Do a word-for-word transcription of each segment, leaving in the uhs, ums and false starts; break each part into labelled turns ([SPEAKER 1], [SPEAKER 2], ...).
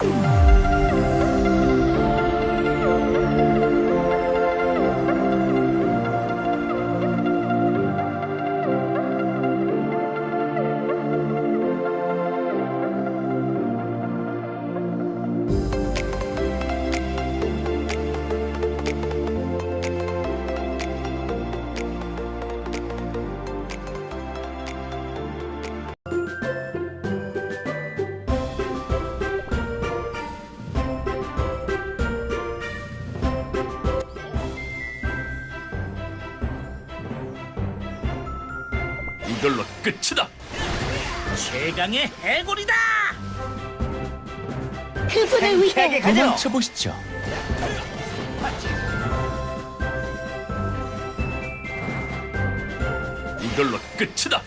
[SPEAKER 1] 이걸로 끝이다.
[SPEAKER 2] 최강의 해골이다.
[SPEAKER 3] 그분을 위해
[SPEAKER 4] 도망쳐 보시죠.
[SPEAKER 1] 이걸로 끝이다.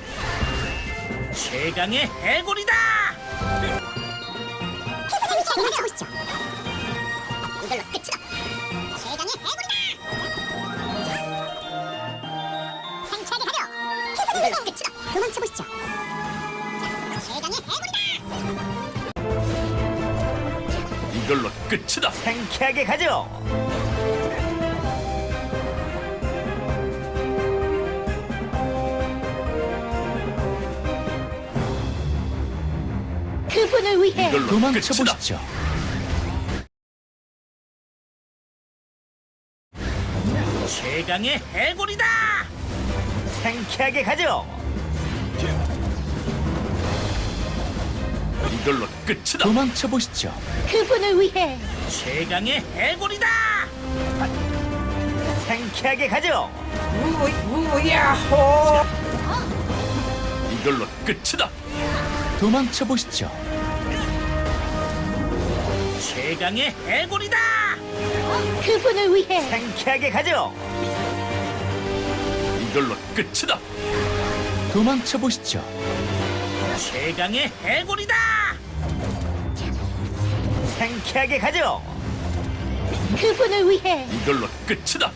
[SPEAKER 2] 최강의 해골이다.
[SPEAKER 3] 도망쳐보시죠. 이걸로 끝이다. 최강의 해골이다. 상쾌하게 가려. 이걸로 끝이다. 도망쳐보시죠. 최강의 해골이다.
[SPEAKER 1] 이걸로 끝이다.
[SPEAKER 4] 상쾌하게 가죠.
[SPEAKER 3] 그분을 위해
[SPEAKER 1] 이걸로
[SPEAKER 4] 도망쳐
[SPEAKER 1] 끝이다.
[SPEAKER 4] 보시죠.
[SPEAKER 2] 최강의 해골이다.
[SPEAKER 4] 상쾌하게 가죠.
[SPEAKER 1] 이걸로 끝이다.
[SPEAKER 4] 도망쳐 보시죠.
[SPEAKER 3] 그분을 위해
[SPEAKER 2] 최강의 해골이다.
[SPEAKER 4] 상쾌하게 가죠.
[SPEAKER 1] 이걸로 끝이다.
[SPEAKER 4] 도망쳐 보시죠.
[SPEAKER 2] 최강의 해골이다.
[SPEAKER 3] 그분을 위해
[SPEAKER 4] 상쾌하게 가죠.
[SPEAKER 1] 이걸로 끝이다.
[SPEAKER 4] 도망쳐 보시죠.
[SPEAKER 2] 최강의 해골이다.
[SPEAKER 4] 상쾌하게 가죠.
[SPEAKER 3] 그분을 위해
[SPEAKER 1] 이걸로 끝이다.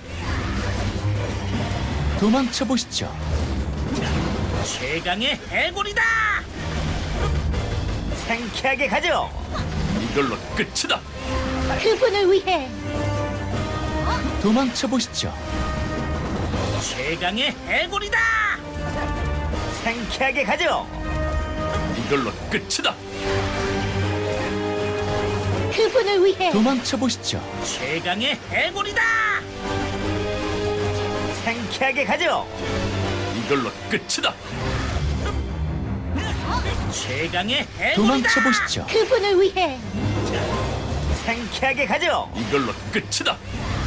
[SPEAKER 4] 도망쳐 보시죠.
[SPEAKER 2] 최강의 해골이다.
[SPEAKER 4] 상쾌하게 가죠.
[SPEAKER 1] 이걸로 끝이다.
[SPEAKER 3] 그분을 위해
[SPEAKER 4] 도망쳐 보시죠.
[SPEAKER 2] 최강의 해골이다.
[SPEAKER 4] 상쾌하게 가죠.
[SPEAKER 1] 이걸로 끝이다.
[SPEAKER 3] 그분을 위해
[SPEAKER 4] 도망쳐 보시죠.
[SPEAKER 2] 최강의 해골이다.
[SPEAKER 4] 상쾌하게 가죠.
[SPEAKER 1] 이걸로 끝이다.
[SPEAKER 2] 최강의 해골이다.
[SPEAKER 4] 도망쳐 보시죠.
[SPEAKER 3] 그분을 위해
[SPEAKER 4] 상쾌하게 가죠.
[SPEAKER 1] 이걸로 끝이다.